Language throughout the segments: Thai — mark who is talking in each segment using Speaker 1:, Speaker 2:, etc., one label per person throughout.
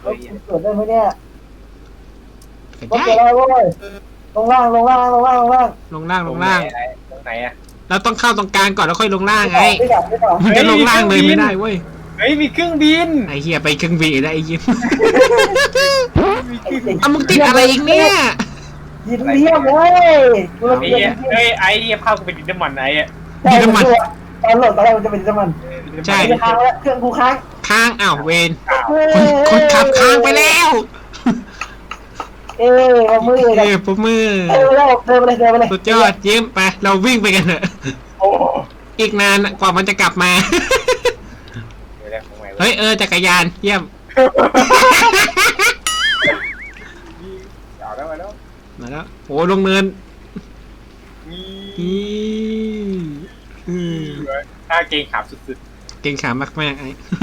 Speaker 1: เลยอ่ะ
Speaker 2: เกิดได้ไหมเนี่ย
Speaker 3: เกิด
Speaker 2: รถ
Speaker 3: ได้
Speaker 2: เกิดอะไรเว้ยลงล่างลงล่างลงล่างลงล่าง
Speaker 3: ลงล่างลงล่าง
Speaker 1: ตรงไหนอ่ะ
Speaker 3: เราต้องเข้าตรงกลางก่อนแล้วค่อยลงล่างไง
Speaker 2: ไม่ดับไม่ดับ
Speaker 3: มันจะลงล่างเลยไม่ได้เว้ย
Speaker 1: เฮ้ยมีเครื่องบิน
Speaker 3: ไอ้เหี้ยไปเครื่องบินได้ไอ้ยิ้ม
Speaker 1: มีเครื่องบิน
Speaker 3: เอามึงติดอะไรอีกเนี่ย
Speaker 2: ยินเรียบเลย
Speaker 1: ไอ้เหี้ยเฮ้ยไอ้เหี้ยภาพกูเป็นดินน้ำมันไอ้อะ
Speaker 2: ตอนโหลดตอนแรกมันจะเป็นน้ำมัน
Speaker 3: ใช่
Speaker 2: จะค้างแล้วเครื่องกูค้าง
Speaker 3: ค้างอ้าวเวนคนขับค้างไปแล้ว
Speaker 2: เอามือ
Speaker 3: เอ้ยปรบมือ
Speaker 2: เดินไปเลยเดินไปเลยเดินไปเลย
Speaker 3: สุดยอดยิ้มไปเราวิ่งไปกันเถอะ
Speaker 1: โอ้
Speaker 3: อีกนานกว่ามันจะกลับมา
Speaker 1: เดี๋ยวของใหม่
Speaker 3: เฮ้ยจักรยานเยี่ยม
Speaker 1: เอาแล้วมาแล้ว
Speaker 3: มาแล้วโอ้ลงเนิน
Speaker 1: มี
Speaker 3: อืม
Speaker 1: ถ้าเกงขาบสุด
Speaker 3: เก่งขามากๆไอ้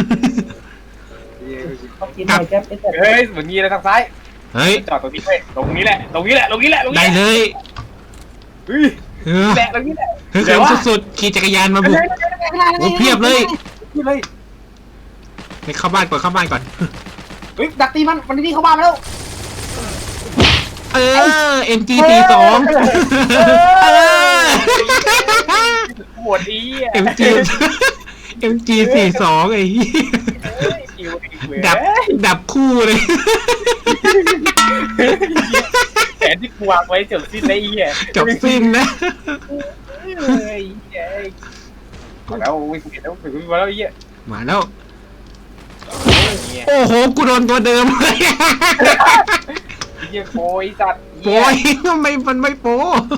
Speaker 1: ๆ
Speaker 2: เขากินหน่อยแก๊ป
Speaker 1: เฮ้ยเหมือนมีอะไรทางซ้าย
Speaker 3: เฮ้ย
Speaker 1: จอดตรงนี้เว้ยตรงนี้แหละตรงนี้แหละตรงนี้แหละตรง
Speaker 3: ได้
Speaker 1: นี้
Speaker 3: เลย
Speaker 1: เฮ้ย
Speaker 3: เออ
Speaker 1: แหละตรงนี้แหละ
Speaker 3: เฮ้ยสุดๆขี่จักรยานมาบุกโอ้เพียบเลย
Speaker 1: นี่เลย
Speaker 3: ไปเข้าบ้านก่อนเข้าบ้านก่อน
Speaker 1: เฮ้ยดักตีมันนี่เข้าบ้านมาแล้ว
Speaker 3: เออ MG42 เออ
Speaker 1: ปวดอีอ่ะ
Speaker 3: MG42 ไอ้เหี้ยดับคู่เลย
Speaker 1: แผนที่กูวางไว้จบสิ้นแล้วอีอ่ะ
Speaker 3: จบสิ้นนะ
Speaker 1: เฮ้ยมาแล้ววิ่งแล้ววิ่งมาแล้วอีอ่ะ
Speaker 3: มาแล้ว โอ้โห กูโดนตัวเดิมเลย
Speaker 1: เยี่ยโอยสัตว์
Speaker 3: โป้ยทำไมมันไม่โป้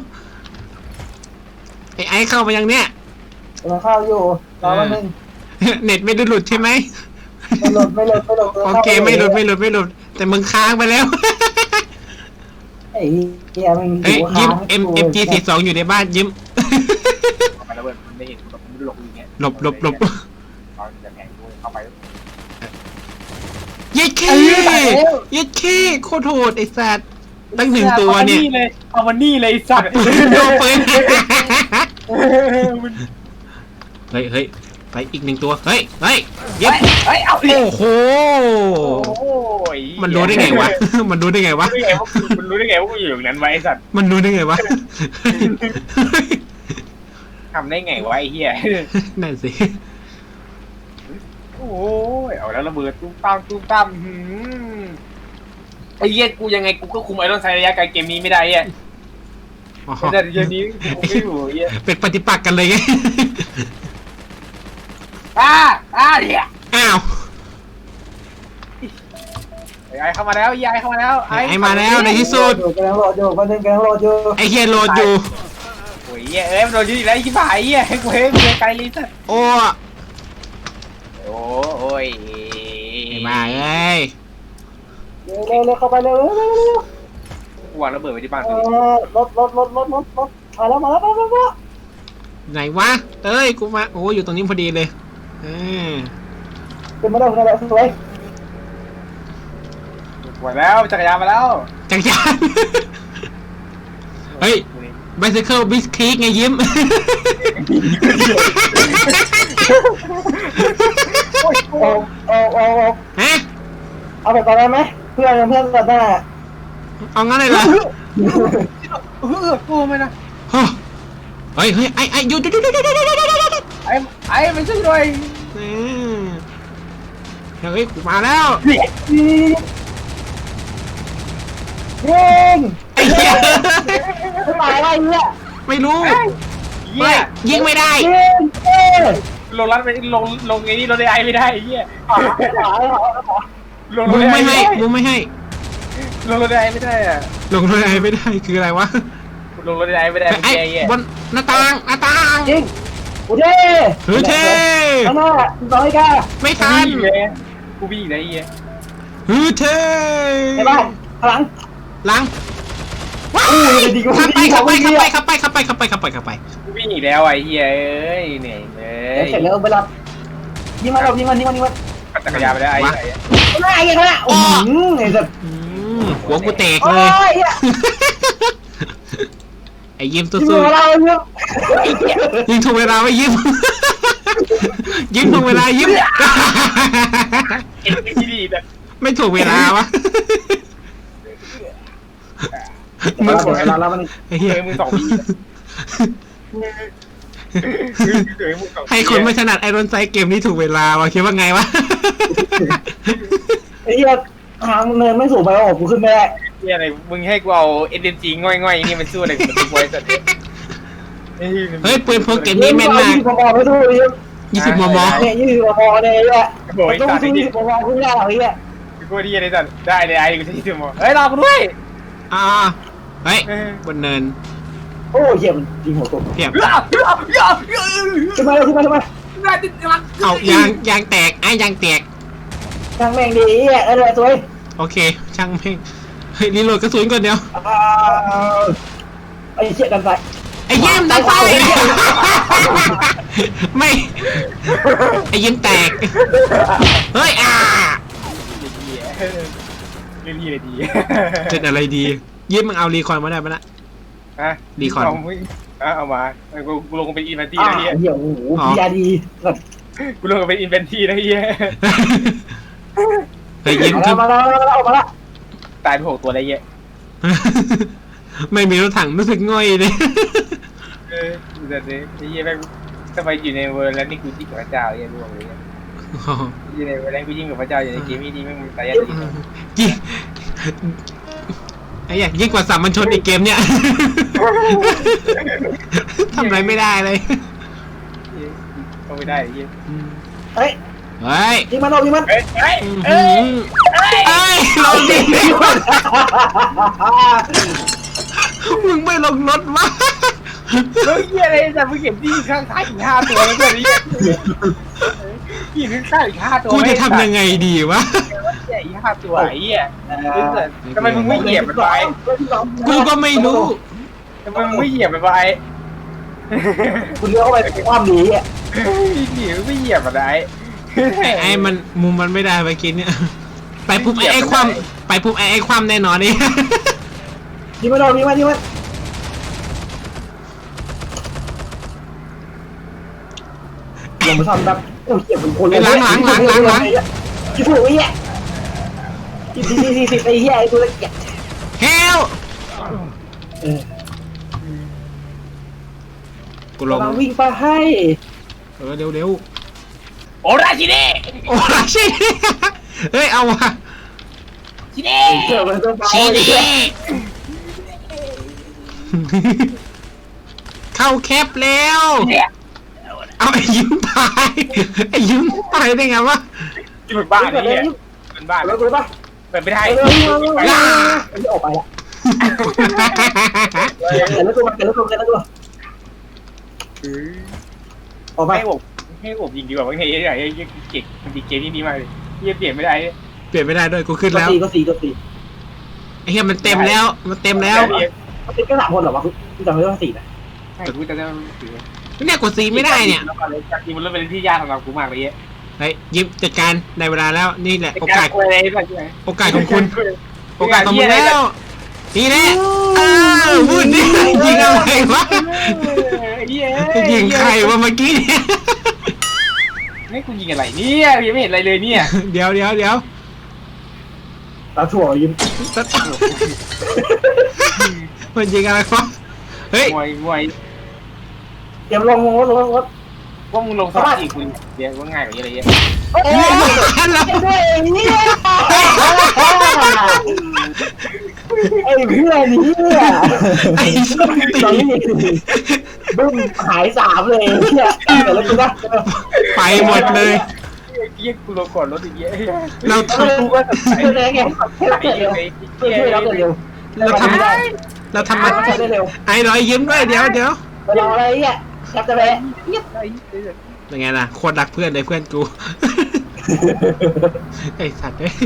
Speaker 3: ไอ้เข้ามายังเนี่ย
Speaker 2: เราเข้าอยู่รอแป๊บนึง
Speaker 3: เน็ตไม่ได้หลุดใช่ไหม
Speaker 2: ไม่หลดไม่หลดไม่หลด
Speaker 3: โอเคไม่หลุดแต่มึงค้างไปแล้ว
Speaker 2: ไอ้เหี้ยมัน
Speaker 3: เฮ้ยยิ้ม MG42 อยู่ในบ้านยิ้ม
Speaker 1: ไปแล้วเว้ยมันไม่เห็นมันไม่หลบอย่างเงี้ย
Speaker 3: หลบ
Speaker 1: ตอนจะแข่งกูเข้าไป
Speaker 3: เย็ดเคเย็ดเคโคตรโหดไอ้สัตว์ตั้งหนึ่งตัวเนี่ย
Speaker 1: เอามันนี่เลยสัตว์
Speaker 3: โดนปืนเฮ้ยไปอีกหนึ่งตัวเฮ้ยยิ้ม
Speaker 1: เฮ้ยเอา
Speaker 3: โอ้โห
Speaker 1: โอ้ย
Speaker 3: มันรู้ได้ไงวะ มันรู้ได้ไงวะ
Speaker 1: มันรู้ได้ไงว่ากูอยู่อย่างนั้นไว้สัตว์
Speaker 3: มันรู้ได้ไงวะ
Speaker 1: ทำได้ไงวะไอ้เหี้ย
Speaker 3: นั่นสิ
Speaker 1: โอ้ยเอาแล้วระเบิดตุ้มตั้มไอ้เหี้ยกูยังไงกูก็คุมไอ้ต้นไทรระยะไกลเกมนี้ไม่ได้อ่ะ
Speaker 3: อ๋อ
Speaker 1: แต่เกมนี้กูไม่อยู่เหี้ย
Speaker 3: เป็นปฏิปักษ์กันเลยไง
Speaker 1: เนี่ย
Speaker 3: อ้าว
Speaker 1: ไอ้เข้ามาแล้วยายเข้ามาแล้ว
Speaker 3: ไอ้มาแล้วในที่สุด
Speaker 2: กำลังโหลดอยู่แป๊บนึงกำลังโหลดอยู่
Speaker 3: ไอ้เฮียโหลดอยู่
Speaker 1: โอ้ยมันโดนยืดแล้วยี่บ่ายกูเฮ้ยไกลลิสัต
Speaker 3: โอ้
Speaker 1: โอ้ย
Speaker 3: ไอ้มาเอ้ย
Speaker 2: เร็วเข้าไปเร็ว
Speaker 1: กูวางระเบิดไว้ที่บ้าน
Speaker 2: รถมาแล้วมา
Speaker 3: ไหนวะเอ้ยกูมาโอ้อยู่ตรงนี้พอดีเลย
Speaker 2: ขึ้นมาได้ขึ้นมาได้สวย
Speaker 1: หมดแล้วจักรยานมาแล้ว
Speaker 3: จักรยานเฮ้ย bicycle bis creek ไงยิ้ม ฮะ
Speaker 2: เอาไปก่อนได้ไหมเพื่อนก่อนได้
Speaker 3: เอางั้นเลยเหรอ
Speaker 1: กูไม่นะ
Speaker 3: เฮ้ยไอ้หยุด
Speaker 1: ไอ้ไม่ช่วยด้วย
Speaker 3: เฮ้ยกูมาแล้ว
Speaker 2: ยิง
Speaker 3: ไอ้เหี้ย
Speaker 2: ตายอะไรเนี่ย
Speaker 3: ไม่รู้
Speaker 1: เหี้ย
Speaker 3: ยิงไม่ได้
Speaker 2: ยิง
Speaker 1: ลงรัดไปลงไอ้นี่ลงไอ้ไม่ได้เหี้ยลง
Speaker 3: มึงไม่ให้มึงไม่ให้
Speaker 1: ลงรถไอ้ไม่ได้อะ
Speaker 3: ลงรถไอไม่ได้คืออะไรวะ
Speaker 1: ลงรถไอ้ไม่ได้เป็น
Speaker 3: ไอ้
Speaker 1: แกเหี้ย
Speaker 3: บนหน้าต่าง
Speaker 2: ยิงโอเค
Speaker 3: เฮ้ยเท่
Speaker 2: ข้างหน้าต่อยกัน
Speaker 3: ไม่ทัน
Speaker 1: กูบี้ไอ้เหี้ย
Speaker 3: เฮ้ยเท่
Speaker 2: ในบ้านข้างหลัง
Speaker 3: หลังว้าวขับไป
Speaker 1: กูบี้อีกแล้วไอ้เหี้ยเอ้ยเหนื่อยเลย
Speaker 2: เสร็จแล้วไปรับยิงมัน
Speaker 1: ปั่นจักรยานไปได้ไอ้
Speaker 2: หน้ายิงแล้วโอ้โหไอ้สัส
Speaker 3: หัวกูแตก
Speaker 2: โอ้
Speaker 3: เลย
Speaker 2: ย
Speaker 3: ไอ้ยิ้ม
Speaker 2: ยิง
Speaker 3: สู้
Speaker 2: เราเนี่ย
Speaker 3: ๆยิงถูกเวลาไว้ยิ้ม ยิ้มถูกเวลายิ้ม
Speaker 1: เอ็นที่ดีแบบ
Speaker 3: ไม่ถูกเวลาวะ
Speaker 2: มึงเวลาแล้วมัน
Speaker 3: ไอ้เหี้ย
Speaker 1: มือสองพี่
Speaker 3: ให้คนไม่ถนัดไอรอนไซเกมนี้ถูกเวลาวะคิดว่าไงวะ
Speaker 2: ไอ้เหี้ยทางเนินไม่สูงไปหรอกกูขึ้นไม่ได้
Speaker 1: เฮียอะไรมึงให้กูเอาเอ็นเดนจีง่อยๆนี่มันสู้อะไรกับตัวไอ้สัตว์
Speaker 3: เฮ้ยปืนพกเกมนี้แม่นมาก
Speaker 2: 20 มมไม่สู้ดิ
Speaker 3: 20 มม.
Speaker 2: เนี่ย20 มมเนี่ยไอ้เหี้ย
Speaker 1: โอ้ย
Speaker 2: ต้อง
Speaker 1: สัตว์
Speaker 2: สู้
Speaker 1: นี่
Speaker 2: 20 มมขึ้นไม่ได้หรอกไอ้เหี้ย
Speaker 1: กูดีอะไรสัตว์ได้เลยไอ้กูจะที่มอเฮ้ยรอกูด้วย
Speaker 3: อ่าเฮ้ยบนเนิน
Speaker 2: โอ้เหี้ยมันยิงหัวตก
Speaker 3: เพียบ
Speaker 2: ขึ้นมาเลยขึ้นมาขึ้นมา
Speaker 3: เอายางแตกไอ้ยางแตก
Speaker 2: ช่างแม่งดีไอ้เหี้ยเลยสวย
Speaker 3: โอเคช่างแม่งเฮ้ยรีโหลดกระสุนก่อนเดียว
Speaker 2: ไอ้เหี้ยดันไป
Speaker 3: ไอ้เยี่ยมดันไฟไม่ไอ้ยิ้มแตกเฮ้ย
Speaker 1: เรื่องนี้เลยดี
Speaker 3: เจ็ดอะไรดียิ้มมึงเอารีคอนมาได้ปะนะ
Speaker 1: ฮะเอามากูลงเป็นอินเวนตี้นะเฮีย
Speaker 2: เหี้ยโอ้โหยาดี
Speaker 1: กูลงเป็นอินเวนตี้นะเฮีย
Speaker 3: เฮ้ยยิ้ม
Speaker 2: มาแล้วออกมาแล้ว
Speaker 1: ตายไป6 ตัวได้เฮีย
Speaker 3: ไม่มีรถถังรู้สึกง่อยเลย
Speaker 1: แต่เนี่ยเฮียแม่งทำไมอยู่ในเวอร์แล้วนี่กูยิ่งกับพระเจ้าเฮียร่วงเลยอยู่ในเวอร์แล้วกูยิ่งกับพระเจ้าอยู่ในเกมนี้แม่งตายยากจริง
Speaker 3: ยิ่งไอ้เหี้ยยิ่งกว่าสามัญชนในเกมเนี้ยทำอะไรไม่ได้เลย
Speaker 1: เข้าไม่ได้เฮีย
Speaker 2: เฮ้ย
Speaker 3: เฮ้ย
Speaker 2: ยิงมันออกยิงมัน
Speaker 1: เฮ้ยเฮ้ย
Speaker 3: เอ้ยลงดิมึงไม่ลงรถวะ
Speaker 1: เฮ้ยเฮียอะไรแต่มึงเก็บที่ข้างท้ายอีก5 ตัวแล้วเนี่ยที่ข้างท้ายอีก5 ตัว
Speaker 3: กูจะทำยังไงดีวะ
Speaker 1: อีก5 ตัวไอ้เหี้ยทำไมมึงไม่เหยียบมันไป
Speaker 3: กูก็ไม่รู้
Speaker 1: ทำไมมึงไม่เหยียบมันไป
Speaker 2: คุณเลี้ยวเข้าไปความดีอ่ะ
Speaker 1: เหยียบไม่เหยียบมันไอ้
Speaker 3: ไอ้มันมุมมันไม่ได้ไปกินเนี่ยไปปุ๊บไอ้ความไปปุ๊บไอ้ความแน่นอนนี่
Speaker 2: ยิงมันออกยิงมันลงมาทำแบบโอ้เหี้ยเป็นคนคิดถูกไอ้เหี้ย40ไอ้เหี้ยไอ้ตัวเล็ก
Speaker 3: เฮลกูลง
Speaker 2: กำลังวิ่งไปให้
Speaker 3: เร็ว
Speaker 1: โอ้ราชินี
Speaker 3: โอ้ชิเฮ้ยเอาวะ
Speaker 1: ชินี
Speaker 2: เจอมันต้องไป
Speaker 3: ชีดีเข้าแคปแล้วเอาไอ้ยิ้มตายไอ้ยิ้มตายได้ไงวะ
Speaker 1: ที่เป็นบ้านนี่เป็นบ้าน
Speaker 2: แล้วกูป่ะ
Speaker 1: เปิดไม่ได้
Speaker 2: ออกไปละแล้วตัวออกไป
Speaker 1: ให้อบยิงดีกว่าว่าไงไอ้เก่งมันดีเกมนี้ดีมากเลยเปลี่ยนไม่ได้
Speaker 3: เปลี่ยนไม่ได้ด้วยกูขึ้นแล้ว
Speaker 2: ก็สี่
Speaker 3: ไอ้เหี้ยมันเต็มแล้วมันเต็มแล้ว
Speaker 2: ติดก็3 คนเหรอวะกูจำไม่ได้ว่า4นะ
Speaker 1: ใช่กูจะได้ถือ
Speaker 3: เนี่ยกดซีไม่ได้เนี่ย
Speaker 1: จากทีมันเริ่มเป็นที่ยากสำหรับกูมากเลยเยอะ
Speaker 3: เฮ้ยยิ้มจัดการได้เวลาแล้วนี่แหละโอกาส
Speaker 1: อะไรแบบ
Speaker 3: โอกาสของคุณโอกาสของมึงแล้วนี่แหละพูดดิยิงอะไรวะยิงใครวะเมื่อกี้เนี่ย
Speaker 1: นี่กูยิงอะไรเนี่ยยังไม่เห็นอะไรเลยเนี่ย
Speaker 3: เดี๋ยว
Speaker 2: ตาถั่วยิ้ม
Speaker 3: มันยิงอะไรวะเฮ้ย
Speaker 1: มวย
Speaker 2: เตรียมลงรถ
Speaker 1: ว่ามึงลงสมัครอีกกูเดี๋ยวว่าง่ายกว่านี้อะไรเงี้ย
Speaker 2: ด้วยเนี่ยไอ้เพื่อนเนี่ย
Speaker 3: ไอ้ส้มตี
Speaker 2: ตอนนี้บึ้มหาย3เลยเนี่ยแต่แล้วกูนะ
Speaker 3: ไปหมดเลย
Speaker 1: เยี่ยกูลงก่อนรถอีกเยอะ
Speaker 3: เราท
Speaker 1: กูก็ใส่
Speaker 2: ช่วยได้ไงให้เราเกิดเร็วช่วยเราเกิดเร็ว
Speaker 3: เราทำมา
Speaker 2: ใช้ได้เร็ว
Speaker 3: ไอ้รอยยิ้มด้วยเดี๋ยว
Speaker 2: เวลาอะไรเนี่ยจับจะไป
Speaker 3: เป็นไงล่ะโคตรรักเพื่อนเลยเพื่อนกูไอ้สัตว์เอ้ย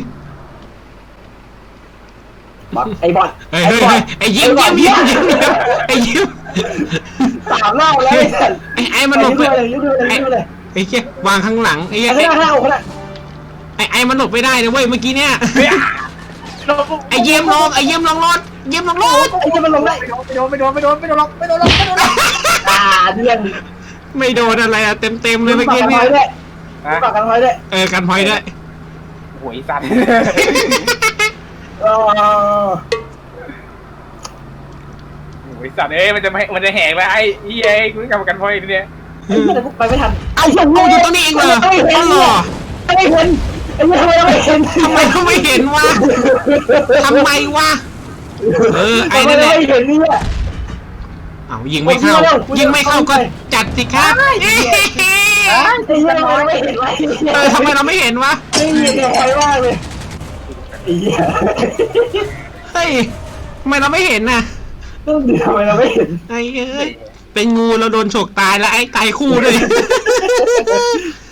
Speaker 2: ไอ้บอล
Speaker 3: เฮ้ยไอ้ยิ้มไอ้ยิ้ม
Speaker 2: 3 รอบแล้ว
Speaker 3: ไอ้มันหลบ
Speaker 2: เล
Speaker 3: เลย
Speaker 2: เลย
Speaker 3: ไอ้เหี้ยวางข้างหลังไอ้เหี้ย
Speaker 2: ข้างหน้าอกนะ
Speaker 3: ไอ้มันหลบไม่ได้นะเว้ยเมื่อกี้เนี่ยไอ้เยี่ยมลงรถ
Speaker 2: ไอ้ที่มันลงได้
Speaker 1: ไม่โดนล็อก
Speaker 2: เดือน
Speaker 3: ไม่โดนอะไรอะเต็มเลยเมื่อกี้
Speaker 2: กัน
Speaker 3: เนี่ย
Speaker 2: ไว้ด้วยฝากกันไว้ด้วย
Speaker 3: กันพอยด้วย
Speaker 1: โอ้โหวยสัตว์ โอ้ยสัตว์มันจะแหกไปไอ้เหี้ยกูกำกันพอยเนี่ย
Speaker 2: ไอ้เหี้ยไปไม่ทัน
Speaker 3: เอางูอยู่ตรงนี้เองเหรออ๋อเหรอ
Speaker 2: ไม่เห็นไอ้เหี้ยทำไมเราไม่เห็น
Speaker 3: ทำไมเขาไม่เห็นวะทำไมวะไอ้นั่นแหละ
Speaker 2: ไม่เห็นเนี่ย
Speaker 3: เอายิงไม่เข้ายิงไม่เข้าก็จัดสิครับ
Speaker 2: ไอ้เหี้ยทำไมเราไม่เห็นวะ
Speaker 3: ทำไมเราไม่เห็นวะ
Speaker 2: ไม่เห็นใครมากเลยไอ้เหี้ย
Speaker 3: เฮ้ยทำไมเราไม่เห็นน่ะ
Speaker 2: ต้องดีทำไมเราไม่เห็น
Speaker 3: ไอ้เป็นงูเราโดนฉกตายแล้วไอ้ตายคู่เลย